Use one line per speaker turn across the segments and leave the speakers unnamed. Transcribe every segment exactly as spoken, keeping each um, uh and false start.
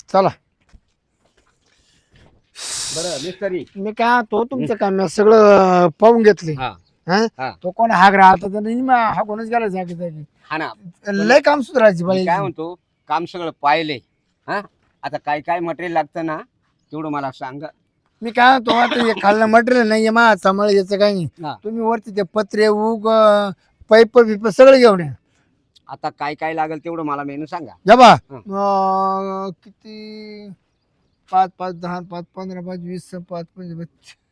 चला.
बरं मिस्त्री
मी काय तो तुमचं काम मी सगळं पाहून घेतले.
हा
हा?
हा.
तो कोण हाग राहता तर नाही मग हा कोणच गेला जागी जागी.
हा ना
लय काम सुधारायची
मी
बाई.
काय म्हणतो काम सगळं पाहिलंय. हा आता काय काय मटेरियल लागतं ना तेवढं मला सांगा.
मी काय तो आता हे खाल्लं मटेरियल नाहीये मा सांभाळ याचं काही नाही.
हा.
तुम्ही वरती ते पत्रे उग पाईप बिप सगळं घेऊन या.
आता काय काय लागेल तेवढं मला मेनू सांगा.
या बा
हं.
अं, किती पाच पाच दहा पाच पंधरा पाच वीस पाच पंच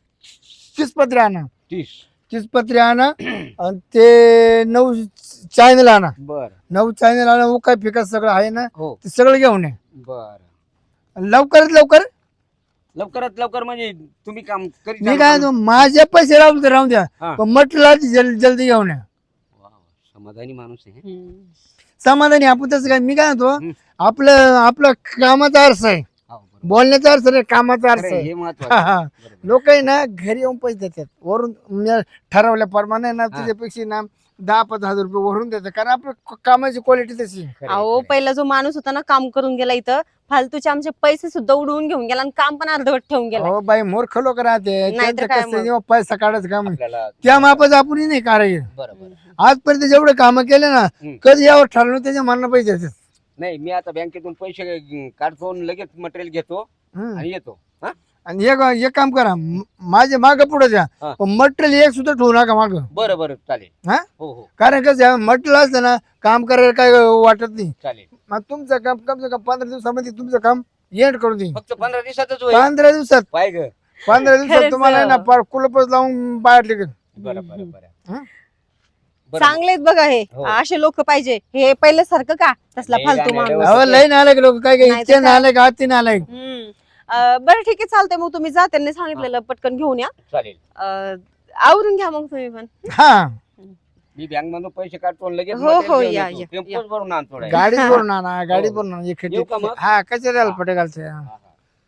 तीस पत्रे आणा.
तीस
तीस पत्रे आणा आणि ते नऊ चॅनल आणा.
बर
नऊ चॅनल आणा उका फिका सगळं आहे ना
हो
ते सगळं घेऊन या.
बर
आणि लवकरात लवकर.
लवकरात लवकर म्हणजे तुम्ही काम करीत
मी
जाल
काय
का?
म्हणतो, माझे पैसे राहून तर राहून द्या
हा.
पण म्हटलं जल जल्दी घेऊन या.
वा, वा, समाधानी माणूस आहे.
समाधानी आपण तसं काय मी काय म्हणतो
हं.
आपलं आपलं कामाचा अर्थ आहे.
हो, बरोबर.
बोलण्याचा अर्थ नाही कामाचा अर्थ
खरं आहे,
आहे.
हे
हा,
महत्वाचं
हा.
आहे. बरोबर.
लोक आहे ना घरी येऊन पैसे देतात वरून म्हणजे ठरवल्याप्रमाणे ना
हा.
तुझ्यापेक्षा ना दहा पाच हजार रुपये वरून देतात कारण आपलं क- कामाची क्वालिटी तशी आहे.
खरं आहे,
अहो
खरं आहे.
पहिला जो माणूस होता ना काम करून गेला इथं फालतूचे आमचे पैसे सुद्धा उडवून घेऊन गेला आणि काम पण अर्धवट ठेवून गेला.
हो बाई मूर्ख लोक राहते
नाहीतर
त्यांचं
काय
कसं
मग?
जेव्हा पैसा काढायचं काम
आपल्याला
त्या मापाचं आपण नाही कारागीर.
बरोबर.
आजपर्यंत जेवढे कामं केले ना
हं.
कधी यावर ठरवलं त्याच्या मनाला पैसे देतात.
नाही मी आता बँकेतून पैसे अं, काढतो आणि लगेच मटेरियल घेतो
हं.
आणि येतो. हा?
आणि एक एक काम करा म- माझे माग पुढे द्या
हा.
पण मटेरियल एक सुद्धा ठेवू नका माग.
बरं बरं चालेल.
हा
हो हो
कारण कसं मटेरियल असतं ना काम करायला काय वाटत नाही.
चालेल.
मग तुमचं काम कम से कम पंधरा दिवसामध्ये तुमचं काम एंड करून देईन.
फक्त पंधरा दिवसातच होईल.
पंधरा दिवसात
पाय ग.
पंधरा दिवसात
खरंच.
तुम्हाला आहे ना पार कुलपच लावून बाहेर निघेल.
बरं बरं बरं
हं?
बरं.
चांगलेत बघा हे
हो.
असे लोक पाहिजे हे पहिलं सारखं का तसला
नाही,
फालतू
नाही,
माणूस.
नाही.
अहो लई नालायक लोक काय काय
नाही तर
इतके
काय?
नालायक आती नालायक.
हम्म. अं, बरं ठीक आहे चालतंय मग तुम्ही जा त्यांनी सांगितलेलं पटकन घेऊन या.
चालेल.
अं, आवरून घ्या मग तुम्ही पण.
हा
मी बँक मधून पैसे काढतो आणि लगेच
हो, हो,
material घेऊन
या,
येतो.
या,
टेम्पोच
या.
भरून आणतो direct.
गाडीत भरून आणा गाडीत
हो.
भरून आणा एक
येऊ का मग?
हा कचऱ्याला पटे घालते.
हा, हा.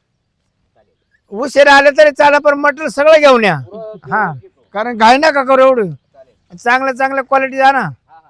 उशीर आले तरी चाला पण मटेरियल सगळं घेऊन या.
पुरं
हा
घेऊन येतो.
कारण घाई नका करू एवढं
चालेल.
चांगल्या चांगल्या क्वालिटी द्या ना.
हा, हा.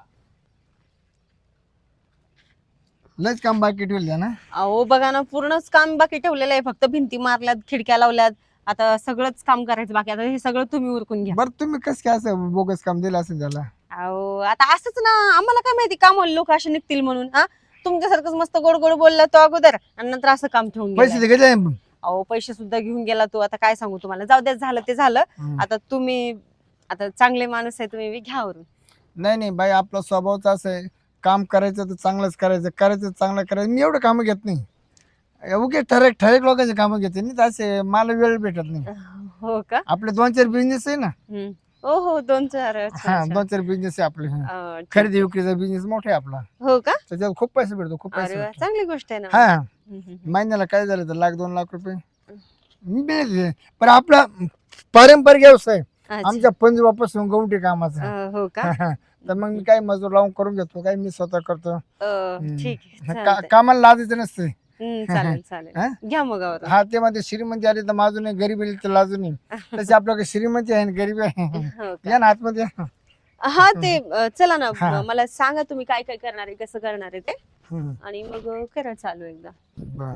लयच काम बाकी ठेवलं ना.
अहो बघा ना पूर्णच काम बाकी ठेवलेलं आहे फक्त भिंती मारल्यात खिडक्या लावल्यात आता सगळंच काम करायचं बाकी आता हे सगळं तुम्ही उरकून घ्या.
बरं तुम्ही कसं काय असं बोगस काम दिलं असेल त्याला.
अहो आता असंच ना आम्हाला काय माहिती काम लोक असे निघतील म्हणून. हा तुमच्यासारखंच मस्त गोड गोड बोलला तो अगोदर आणि नंतर असं काम ठेवून
पैसे
गेलाय.
ते घेतले ना?
अहो पैसे सुद्धा घेऊन गेला तो आता काय सांगू तुम्हाला जाऊ द्या झालं ते झालं.
हम्म.
आता तुम्ही आता चांगले माणूस आहे तुम्ही घ्या वरून.
नाही नाही बाई आपला स्वभावच असं आहे काम करायचं तर चांगलंच करायचं करायचं चांगलं करायचं. मी एवढं कामं घेत नाही उगे ठरेक ठरेक लोकांचे कामं घेते नाही तर असे मला वेळ भेटत नाही.
हो का.
आपले दोन चार बिझनेस आहे ना.
हम्म. हो हो दोन चार अच्छा,
हा
अच्छा.
दोन चार बिझनेस आहे आपले. हा.
अं, ठीक.
खरेदी विक्रीचा बिझनेस मोठा आहे आपला
हो का.
त्याच्यात खूप पैसे भेटतो खूप पैसे
अरे वा
भेटतो.
चांगली गोष्ट आहे ना.
हा
हम्म, हम्म.
महिन्याला काय झालं तर लाख दोन लाख रुपये मी मिळते पण आपला पारंपरिक व्यवसाय
अच्छा.
आमच्या पंजोबापासून गवठी कामाचा.
अं, हो का.
तर मग मी काय मजूर लावून करून घेतो काय मी स्वतः करतो.
अं, ठीक आहे
का-
चालतंय.
कामाला लाजायचं नसते.
हम्म, चालेल
हा?
चालेल घ्या मग आवरून.
हा ते मध्ये श्रीमंती आली तर माझून नाही गरीब आली तर लाजून नाही तशी आपल्याकडे श्रीमंती आहे आणि गरीबी आहे.
हो का.
या ना आतमध्ये या.
हा ते अं, चला ना
हा.
मला सांगा तुम्ही काय काय करणार आहे कसं करणार आहे ते
हम्म.
आणि मग अं, करा चालू एकदा.
बरं.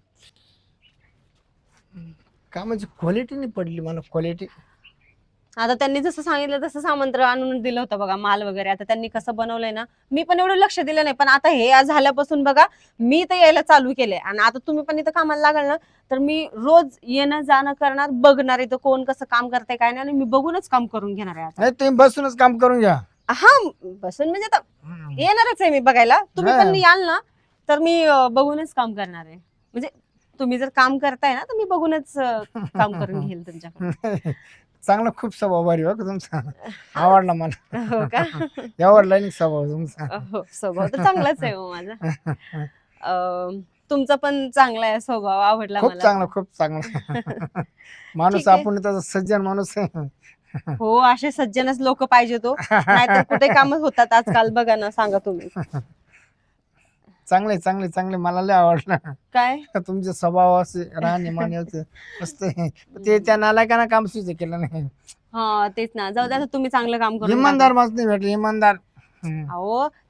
कामाची क्वालिटी नाही पडली मला क्वालिटी.
आता त्यांनी जसं सांगितलं तसं सामंत्र आणून दिलं होतं बघा माल वगैरे आता त्यांनी कसं बनवलंय ना मी पण एवढं लक्ष दिलं नाही पण आता हे आज झाल्यापासून बघा मी तर यायला चालू केलंय आणि आता तुम्ही पण इथं कामाला लागाल ना तर मी रोज येणं जाणं करणार बघणार इथं कोण कसं काम करतंय काय नाही आणि मी बघूनच काम करून घेणार आहे आता.
नाही तुम्ही बसूनच काम करून घ्या.
हा बसून म्हणजे आता येणारच आहे मी बघायला तुम्ही पण
हा.
याल ना तर मी अं, बघूनच काम करणार आहे म्हणजे तुम्ही जर काम करताय ना तर मी बघूनच अं, काम करून घेईल तुमच्याकडे.
चांगला खूप स्वभाव भारी हो का तुमचा आवडला मला.
हो का.
यावर लाईनिक स्वभाव तुमचा.
हो स्वभाव तर चांगलाच आहे हो माझा. अं, तुमचा पण चांगला आहे स्वभाव आवडला
खूप
मला.
चांगला खूप चांगला माणूस
ठीक आहे.
आपण त्याचा सज्जन माणूस आहे.
हो असे सज्जनच लोक पाहिजे तो नाहीतर कुठे काम होतात आजकाल बघा ना सांगा तुम्ही.
चांगले चांगले चांगले मला लय आवडलं
काय
तुमचे स्वभाव असे राहणीमान होते मस्त आहे. ते त्या नालायकांना काम सुचे केलं नाही.
हा तेच ना जाऊ द्या आता तुम्ही चांगलं काम करून
इमानदार
टाका.
माणूस नाही भेटले इमानदार. हम्म.
अहो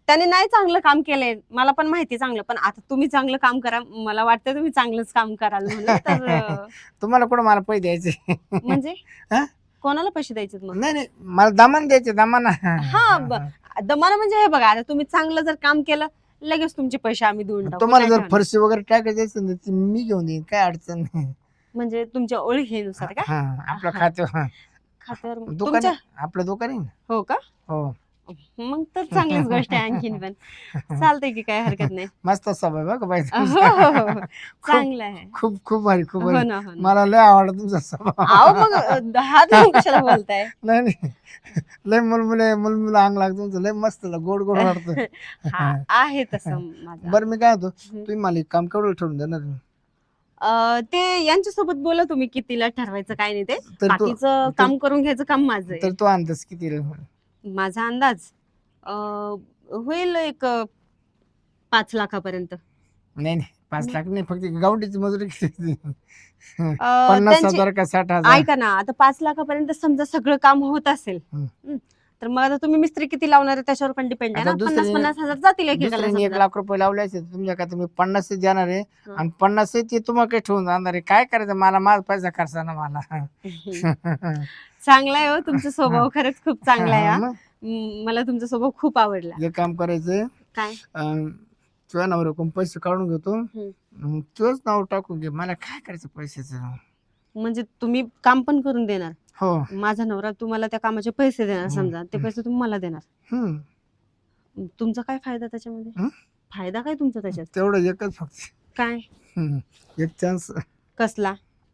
त्याने नाही चांगलं काम केलंय, मला पण माहिती चांगलं, पण आता तुम्ही चांगलं काम करा, मला वाटतं तुम्ही चांगलंच काम कराल म्हणून तर अं,
तुम्हाला कुठं मला पैसे द्यायचे?
म्हणजे
हा?
कोणाला पैसे द्यायचे मग?
नाही नाही मला दमान द्यायचे दमान.
हा ब- दमानं म्हणजे हे बघा, आता तुम्ही चांगलं जर काम केलं लगेच तुमचे पैसे आम्ही देऊन टाकू.
तुम्हाला
काय
जर
ठेवणार?
फरशी वगैरे टाकायची असेल तर ती मी घेऊन देईन, काय अडचण नाही.
म्हणजे तुमच्या ओळखीनुसार का?
हा आपलं खाते
खात्यावर
दुकान
तुमच्या?
आहे, आपलं दुकान आहे ना.
हो का?
हो
मग तर चांगलीच गोष्ट आहे आणखीन पण. चालतंय की, काय हरकत नाही.
मस्त स्वभाव आहे बघ बाई
हो,
तुमचा.
हो, हो, हो. चांगलं आहे.
खूप खूप भारी खूप
हो
भारी.
ना, हो ना.
मला लय आवडला तुमचा स्वभाव.
अहो मग अं, हात धरून कशाला बोलताय?
नाही नाही लय मुलमुले मुलमुलं अंग लागतं तुमचं, लय मस्त गोड गोड वाटतं.
हा आहे तसं माझं.
बरं मी काय होतो,
हम्म.
तुम्ही मला एक काम केवढं ठेवून देणार?
अं, ते यांच्यासोबत बोला तुम्ही कितीला ठरवायचं काय नाही ते.
तर तो
बाकीचं काम करून घ्यायचं काम माझं आहे.
तर तो अंदाज किती रे?
माझा अंदाज अं, होईल एक अं, पाच लाखापर्यंत.
नाही नाही पाच लाख नाही, फक्त गावडीची मजुरी किती?
अं,
पन्नास
त्यांची-
हजार का साठ हजार?
ऐका ना, आता पाच लाखापर्यंत समजा सगळं काम होत असेल,
हम्म.
हम्म, तर मग आता तुम्ही मिस्त्री किती लावणार आहे त्याच्यावर पण डिपेंड आहे
आता
ना. पन्नास
दुसरी-
पन्नास हजार जातील एकेकाला
दुसऱ्याने एक
समजा.
लाख रुपये लावले असेल तुमच्या का, तुम्ही पन्नास देणार आहे
हं.
आणि पन्नास ते तुम्हाला काही ठेवून जाणार आहे. काय करायचं मला, माझा पैसा खर्चा ना मला.
चांगला आहे हो तुमचा स्वभाव, खरंच खूप चांगला आहे हा.
मग
हम्म, मला तुमचा स्वभाव खूप आवडला.
एक काम करायचं,
काय?
अं, तुझ्या नवऱ्याकडून पैसे काढून घेतो,
हम्म.
मग तुझंच नाव टाकून घे, मला काय करायचं पैशाचं.
म्हणजे तुम्ही काम पण करून देणार,
हो
माझा नवरा तुम्हाला त्या कामाचे पैसे देणार
हम्म.
समजा, ते पैसे तुम्ही मला देणार.
हम्म
तुमचा काय फायदा त्याच्यामध्ये?
हं?
फायदा काय तुमचा त्याच्यात?
तेवढं एकच फक्त.
काय?
हम्म. एक चान्स.
कसला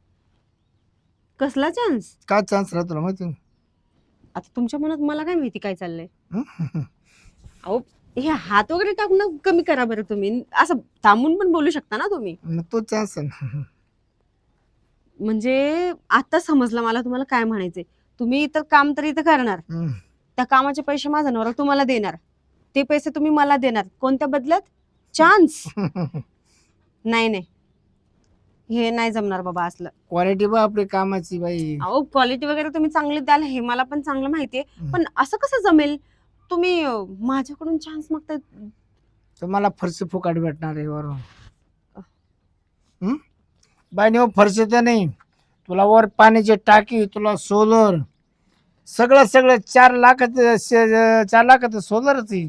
कसला चान्स?
काय चान्स राहतो तुला माहिती?
आता तुमच्या मनात मला काय माहिती काय चाललंय.
हं?
अहो हे हात वगैरे टाकून कमी करा बरं, तुम्ही असं थांबून पण बोलू शकता ना तुम्ही.
मग तो चान्स आहे ना.
म्हणजे आता समजलं मला तुम्हाला काय म्हणायचंय. तुम्ही इतर काम तर इथं करणार,
हम्म.
त्या कामाचे पैसे माझा नवरा तुम्हाला देणार, ते पैसे तुम्ही मला देणार, कोणत्या बदल्यात? चान्स. नाही नाही, हे नाही जमणार बाबा असलं.
क्वालिटी बा आपली कामाची बाई.
अहो क्वालिटी वगैरे तुम्ही चांगली द्याल हे मला पण चांगलं माहितीये,
हम्म.
पण असं कसं जमेल? तुम्ही अं, माझ्याकडून चान्स मागताय.
तुम्हाला फरशी फुकाट भेटणार आहे वरून. हं? बाई नाही फरशी तर नाही, तुला वर पाण्याची टाकी, तुला सोलर, सगळं सगळं चार लाखाचं श- चार लाखाचं सोलरच आहे.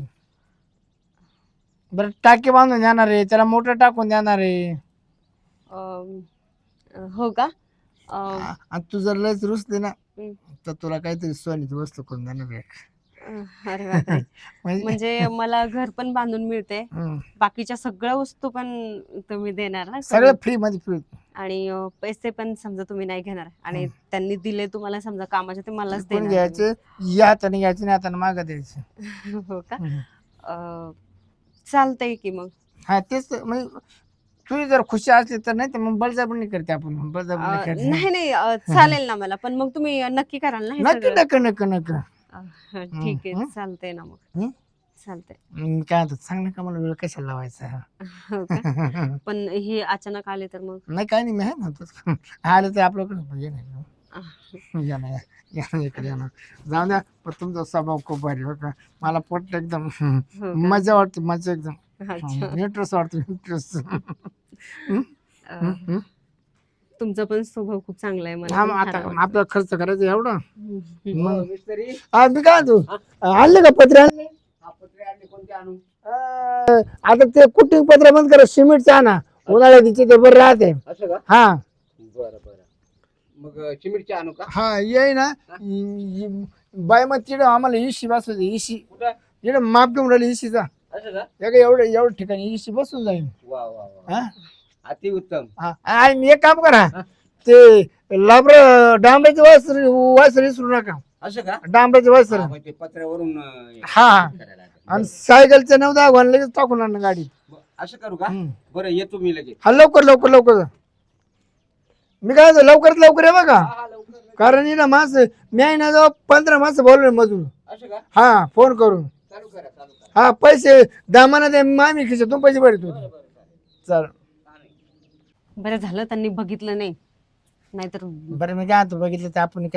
बरं टाकी बांधून देणार आहे, त्याला मोटर टाकून देणार आहे.
अं, हो का? अं,
आ- आणि तू जर लयच रुसली ना
हं.
तर तुला काहीतरी सोन्याची वस्तू करून देणार आहे.
अरे बापरे.
म्हणजे
म्हणजे मला घर पण बांधून मिळते,
हं.
बाकीच्या सगळ्या वस्तू पण तुम्ही देणार ना
सगळं
करून.
फ्री मध्ये फ्री.
आणि अं, पैसे पण समजा तुम्ही नाही घेणार, आणि त्यांनी दिले तुम्हाला समजा कामाचे ते मलाच
कोण
देणार.
घ्यायचे, या हाताने घ्यायचे नाही हाताने मागं द्यायचे.
हो का?
हं.
अं, चालतंय की मग.
हा तेच तर, म्हणजे तुझी जर खुशी असली तर, नाही तर मग बळजबरी नाही करते आपण, बळजबरी नाही
अं,
करते.
नाही नाही अं, चालेल ना मला, पण मग तुम्ही नक्की कराल ना हे
नक्की
सगळं?
नक्की नक्की नक्की.
अं, ठीक आहे,
हं.
चालतंय ना मग.
हं?
चालतंय.
मग काय होतं, चांगलं कामाला वेळ कशाला लावायचा.
हो का? पण हे अचानक आले तर मग?
नाही काय नाही, मी आहे ना तसं. आलं तर आपल्याकडे ये नाही, या ना या या ना, इकडे या ना. जाऊ द्या, पण तुमचा स्वभाव खूप भारी हो का, मला पटलं एकदम.
हो का?
मजा वाटते, मजा एकदम.
अच्छा.
इंटरेस्ट वाटतो, इंटरेस्ट.
अं, तुमचा पण स्वभाव खूप चांगला आहे, मला
हा
पण
मग
फार
आता
आवडतं.
आपला खर्च करायचा एवढा.
हं.
मग
मिस्त्री
हा, मी काय तू आणले का पत्रे आणले?
हा पत्रे आणले, कोणते आणू?
अं, आता ते कुटिंग पत्र बंद करा, सिमेंटचं आणा, उन्हाळ्यात तिचे ते बरं राहते.
असं का?
हा
बरं बरं. मग अं, चिमिटचे आणू का?
हा ये ना, बाय मग तिकडे आम्हाला इशी बसवायची, इशी
कुठं?
तिकडे माप घेऊन राहिली इशीचा.
असं का?
एवढं एवढं एवढं ठिकाणी इशी बसून जाईल.
वा वा वा,
हा
अति उत्तम.
हा. आणि एक काम करा, ते लाबर डांबऱ्याचे वासर वासर विसरू नका,
असं का?
डांबऱ्याचे वासर.
हा, मग ते पत्र्यावरून अं,
हा हा.
करायला लागेल.
आणि सायकलचे नऊ दहा घालून लगेच टाकून आणा गाडीत.
ब- असं करू का?
हम्म.
बरं येतो मी लगेच.
हा लवकर लवकर लवकर. मी काय म्हणतो, लवकरात लवकर आहे बघा,
हा हा लवकर लगेच.
कारण ही ना माणसं, मी आहे ना जवळ पंधरा माणसं बोलवले मजूर.
असं का?
हा फोन करून.
चालू करा चालू करा.
हा पैसे दामाना दे, मामी खिशातून पैसे भरतो.
बरं बरं चालेल.
चल
बरं झालं त्यांनी बघितलं नाही, नाहीतर
बरं मी काय म्हणतो, बघितलं तर आपण काय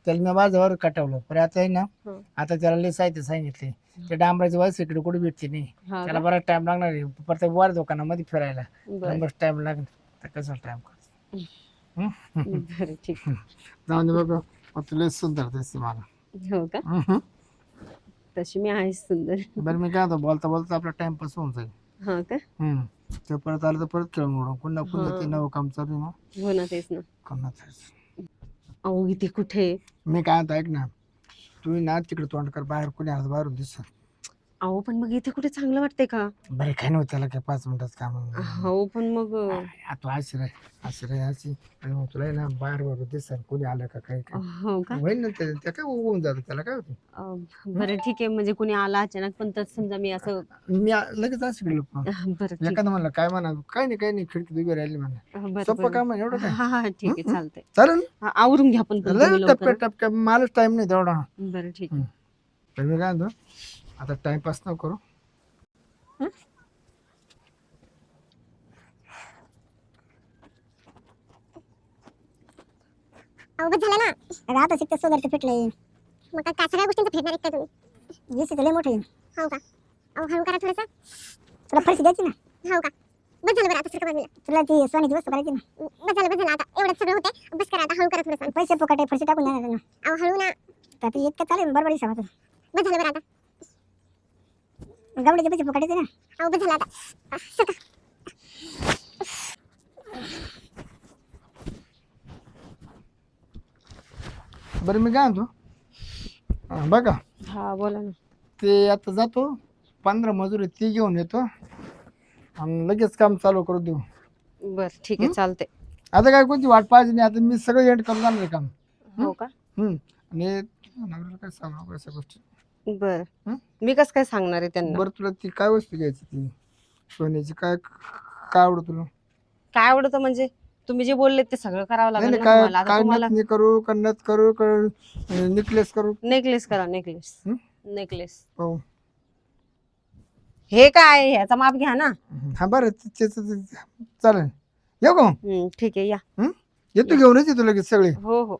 त्याला मी माझ्यावर कटवलं पण आता आहे ना
हं.
आता त्याला लय साहित्य सांगितले ते डांबराची वयस इकडे कुठे भेटते नाही
हा
त्याला
का?
बराच टाइम लागणार आहे प्रत्येक वर दुकानामध्ये फिरायला
बरं
बस टाइम लागेल तर कसा टाइम कर
बरं ठीक
जाऊन दे बघ मग तुला सुंदर दिसते मला
हो का
हम्म.
तशी मी आहे सुंदर
बरं मी काय होतो बोलता बोलता आपला टाइमपास होऊन जाईल
हा का
हम्म ते परत आलं तर परत खेळून मोडून पुन्हा पुन्हा ते
हा.
नवं काम चालू आहे ना
हो ना तेच ना
कोणाचं
अहो इथे कुठे
मी काय आता ऐक ना तू ना तिकडे तोंड कर बाहेर कोणी आज बाहेरून दिसत
अहो पण मग इथे कुठे चांगलं वाटतंय का
बरं काय नव्हतं त्याला काय पाच मिनिटात काम
हो पण मग
तू अशी राह अशी राह अशी आणि मग तुला आहे ना बाहेर बाहेर दिसत कोणी आलं का काही काय
हो का
होईल ना ते त्या काय होऊन जातं त्याला काय होतं
अं, बरं ठीक आहे म्हणजे कोणी आला अचानक पण तर समजा मी असं
मी आ- लगेच असं गेलो पण
अं, बरं ठीक
एखादं म्हणलं काय म्हणा काय नाही काय नाही खिडकी उभी राहिली म्हणा
अं, बरं
सोपं
बरं
काम आहे एवढं काय
हा हा ठीक आहे चालतंय
चालेल
हा, आवरून घ्या पण पण
लय
तुम्ही
टपक्या
लवकर
टपक्या मलाच टाइम नाही तेवढा
बरं ठीक आहे
तर मी काय म्हणतो आता टाइमपास नको करू
अवघड झालं ना अगं आता शिकत सोदरचं फिटलंय मग काय काय सगळ्या गोष्टींचं फेडणार आहेत का तुम्ही वीस लय मोठे हो का अहो हळू करा थोडंसं तुला फरशी द्यायची ना हो का बस झालं बरं आता सरका बाजूला तुला ती सोन्याची वस्तू करायची ना बस झालं बस झालं आता एवढं सगळं होते बस करा आता हळू करा थोडंसं पैसे फुकट आहे फरशी टाकून देणार ना अहो हळू ना तर ती इतकं चालेल बरोबर आहे बस झालं बरं आता गवडीचे पैसे फुकट येते ना अहो बस झालं आता अह, सरका
बरं मी काय म्हणतो हा, बघा
हा बोला ना
ते आता जातो पंधरा मजूर आहे ती घेऊन येतो आणि लगेच काम चालू करू देऊ
बरं ठीक आहे चालतंय
आता काय कोणती वाट पाहिजे नाही आता मी सगळं एंड करून जाणार आहे काम
हो का
हम्म. आणि नवऱ्याला काय सांगू नको अशा गोष्टी
बरं
हं?
मी कसं काय सांगणार आहे त्यांना
बरं तुला ती काय वस्तू घ्यायची ती सोन्याची काय काय आवडत तुला
काय आवडतं म्हणजे तुम्ही जे बोलले ते सगळं करावं
नाही
लागेल
नाही
ना
काय
तुम्हाला आता
काय
तुम्हाला
नथ करू का नथ करू का नेकलेस करू
नेकलेस करा नेकलेस
हं?
नेकलेस
हो
हे काय ह्याचा माप घ्या ना
हा बरं ते- ते- ते- ते- चालेल येऊ का मग?
हं, ठीक आहे या
हं? येतो घेऊनच येतो लगेच सगळे
हो हो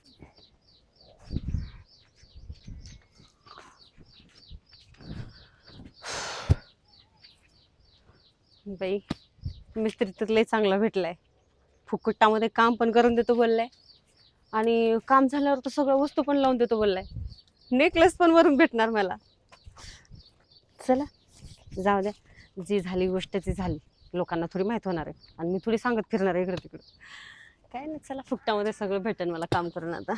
बाई मिस्त्री तर लय चांगला भेटलाय फुकटामध्ये काम पण करून देतो बोललाय आणि काम झाल्यावर तर सगळ्या वस्तू पण लावून देतो बोललाय नेकलेस पण वरून भेटणार मला चला जाऊ द्या जी झाली गोष्ट ती झाली लोकांना थोडी माहित होणार आहे आणि मी थोडी सांगत फिरणार आहे इकडे तिकडे काय नाही चला फुकटामध्ये सगळं भेटेल मला काम करून आता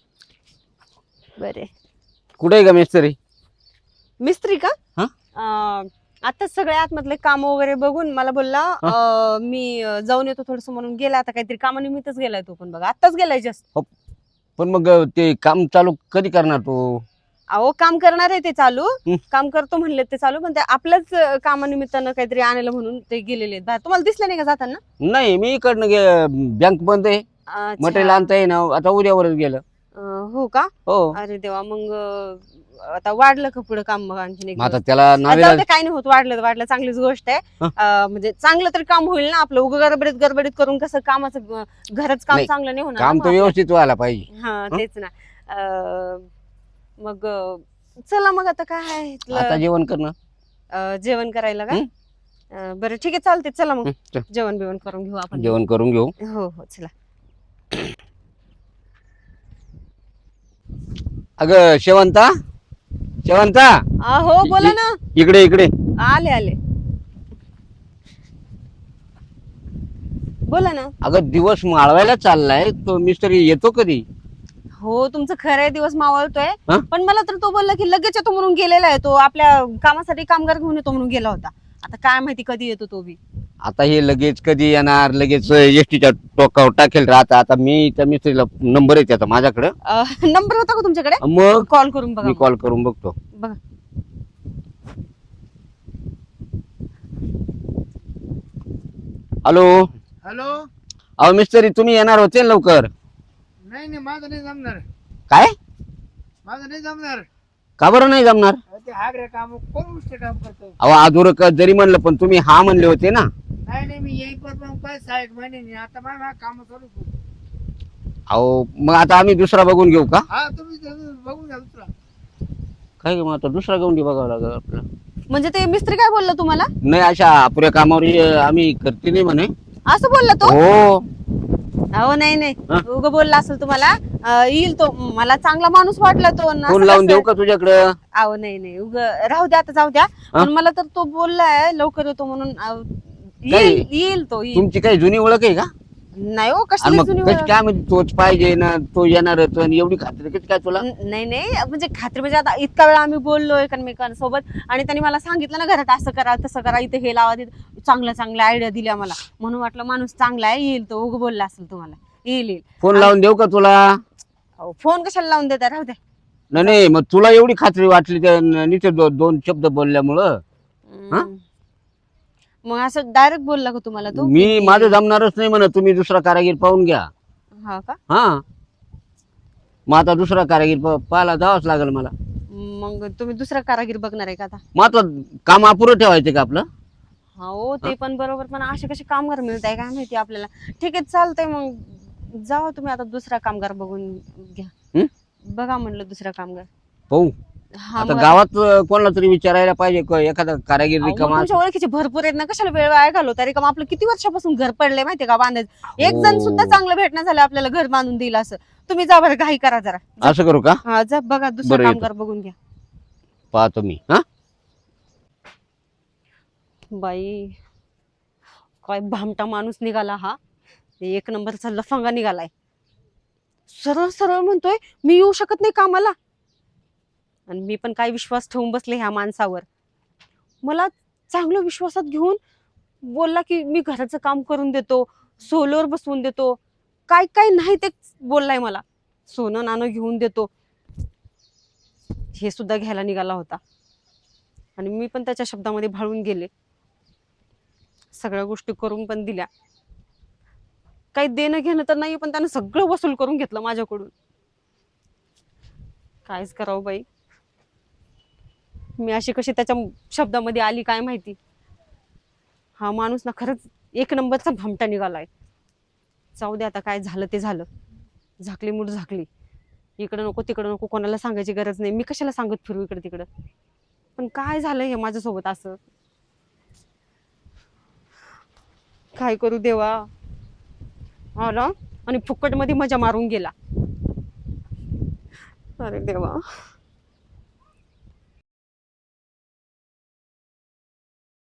बरे
कुठे आहे का मिस्त्री
मिस्त्री का
हा?
अं, आताच सगळे आतमधले काम वगैरे बघून मला बोलला अं, मी अं, जाऊन येतो थोडस म्हणून गेला आता काहीतरी कामानिमित्तच गेलाय तो पण बघा आताच गेलाय जस्ट
पण मग ते काम चालू कधी करणार तू
अहो काम करणार आहे ते चालू
हं.
काम करतो म्हणले ते चालू पण ते आपल्याच अं, कामानिमित्तानं काहीतरी आणलं म्हणून ते गेलेले आहेत बाहेर तुम्हाला दिसलं नाही का जाताना
नाही मी इकडनं गे बँक बंद आहे
अच्छा.
मटेरियल आणता येईना आता उद्यावरच गेलं
अं, हो का
हो
अरे देवा मग अं, आता वाढलं का पुढे काम मग आणखीन एक
मग आता
दिवस?
त्याला
आ, जाऊ
नावेला
दे काय नाही होत वाढलं तर वाढलं चांगलीच गोष्ट आहे
हं.
अं, म्हणजे चांगलं तरी काम होईल ना आपलं उगा गडबडीत गडबडीत करून कसं कामाचं अं, घरच काम
नाही,
चांगलं नाही होणार
काम
ना
तर
मग आपलं.
व्यवस्थित व्हायला पाहिजे
हा
हं?
तेच ना अं, मग अं, चला मग आता काय आहे इथलं,
आता जेवण करणं
अं, जेवण करायला का
हं?
अं, बरं ठीक आहे चालते चला मग
हं, चल,
जेवण बिवण करून घेऊ आपण
जेवण करून घेऊ
हो हो चला
अगं शेवंता शेवंता
आ, हो बोला ना
इकडे इकडे
आले आले बोला ना
अगं दिवस माळवायला चाललाय तो मिस्त्री येतो कधी
हो तुमचं खरं आहे दिवस मावळतोय
हं?
पण मला तर तो बोलला की लगेच येतो म्हणून गेलेला आहे तो आपल्या कामासाठी कामगार घेऊन येतो म्हणून गेला होता आता काय माहिती कधी येतो तो बी
आता हे लगेच कधी येणार लगेच एसटीच्या टोकावर टाकेल राहता आता मी त्या मिस्त्रीला नंबर आहे त्याचा माझ्याकडे
नंबर होता का तुमच्याकडे
मग
कॉल करून बघा
मी
मग.
कॉल करून बघतो
बघा
हॅलो
हॅलो
अहो मिस्त्री तुम्ही येणार होते ना लवकर
नाही नाही माझं नाही जमणार
काय
माझं नाही जमणार
का बरं नाही जमणार
अहो, ते हागरे काम कोण गोष्टी काम करतो
अहो अधुर जरी म्हणलं पण तुम्ही हा म्हणले होते ना
नाही नाही मी येईपर्यंत मग काय सहा एक महिने आता माझ्या काम चालू करू
अहो मग आता आम्ही दुसरा बघून घेऊ का?
हा तुम्ही तुम्ही बघून घ्या दुसरा.
काय मग आता दुसरा गवंडी बघावं लागेल आपल्याला.
म्हणजे ते मिस्त्री काय बोलला तुम्हाला?
नाही अशा अपुऱ्या कामावर हे आम्ही करते नाही म्हणे.
असं बोलला तो?
हो
अहो नाही नाही,
हा?
उग बोलला असेल तुम्हाला. अं, येईल तो, मला चांगला माणूस वाटला तो. आणि
फोन
असं
लावून
कसं-
देऊ का तुझ्याकडं?
अहो नाही नाही, उग राहू द्या, आता जाऊ द्या.
हा?
पण मला तर तो बोललाय लवकर येतो म्हणून. अं,
काय?
येईल येईल तो येईल.
तुमची काही जुनी ओळख आहे का?
नाही हो,
आणि
कसली
मग
जुनी
कशी
ओळख?
काय म्हणजे तोच पाहिजे ना, तो येणारच आणि एवढी खात्री कशी काय तुला?
न- नाही नाही, म्हणजे खात्री म्हणजे आता इतका वेळा आम्ही बोललोय एकमेकांसोबत, आणि त्यांनी मला सांगितलं ना घरात असं करा तसं करा, इथे हे लावा, तिथे चांगल्या चांगल्या आयडिया दिल्या मला. म्हणून वाटलं माणूस चांगला आहे, येईल तो. उग बोलला असेल तुम्हाला. येईल येईल.
फोन लावून देऊ का तुला?
अहो, फोन कशाला लावून देता, राहू द्या.
नाही नाही, मग तुला एवढी खात्री वाटली त्या नीचे दो, दोन शब्द बोलल्यामुळं? हा?
हम्म. मग असं डायरेक्ट बोलला का तुम्हाला तो?
मी
की-
माझं जमणारच नाही म्हणत, तुम्ही दुसरा कारागीर पाहून घ्या.
हा का?
हा मग आता दुसरा कारागीर प- पाहायला जावंच लागेल मला.
मग तुम्ही दुसरा कारागीर बघणार आहे का आता?
मग आता काम अपुरं ठेवायचं का आपलं?
हो ते पण बरोबर, पण असे कसे कामगार मिळत आहे काय माहिती आपल्याला. ठीक आहे चालतंय, मग जावा तुम्ही आता दुसरा कामगार बघून घ्या.
हं?
बघा म्हणलं दुसरा कामगार.
पाहू.
हा,
आता
मग
गावात अं, कोणाला तरी विचारायला पाहिजे क- एखादा कारागीर
अहो, मग
रिकामा
तुमच्या ओळखीचे भरपूर आहेत ना, कशाला वेळ वाया घालवता? रिकाम आपलं किती वर्षापासून घर पडलंय माहितीये का बांधायचं. एक जण
हो.
सुद्धा चांगलं भेटणं झालं आपल्याला घर बांधून देईल असं. तुम्ही जा बरं, घाई करा जरा.
असं करू का?
हा जा बघा दुसरा
बरं, येतो.
कामगार बघून घ्या.
पाहतो मी. हा
बाई, काय भामटा माणूस निघाला हा. एक नंबरचा लफंगा निघालाय. सरळ सरळ म्हणतोय मी येऊ शकत नाही कामाला. आणि मी पण काय विश्वास ठेवून बसले ह्या माणसावर. मला चांगलं विश्वासात घेऊन बोलला की मी घराचं काम करून देतो, सोलर बसवून देतो, काय काय नाही ते बोललाय मला. सोनं नाणं घेऊन देतो, हे सुद्धा घ्यायला निघाला होता. आणि मी पण त्याच्या शब्दामध्ये भाळून गेले. सगळ्या गोष्टी करून पण दिल्या. काही देणं घेणं तर नाही, पण त्यानं सगळं वसूल करून घेतलं माझ्याकडून. कायच करावं बाई, मी अशी कशी त्याच्या शब्दामध्ये आली काय माहिती. हा माणूस ना खरंच एक नंबरचा भामटा निघालाय. जाऊ दे आता, काय झालं ते झालं. झाकली मूठ झाकली. इकडं नको तिकडं नको, कोणाला सांगायची गरज नाही. मी कशाला सांगत फिरू इकडं तिकडं. पण काय झालं हे माझ्यासोबत असं. काय करू देवा. आला आणि फुकट मध्ये मजा मारून गेला. अरे देवा.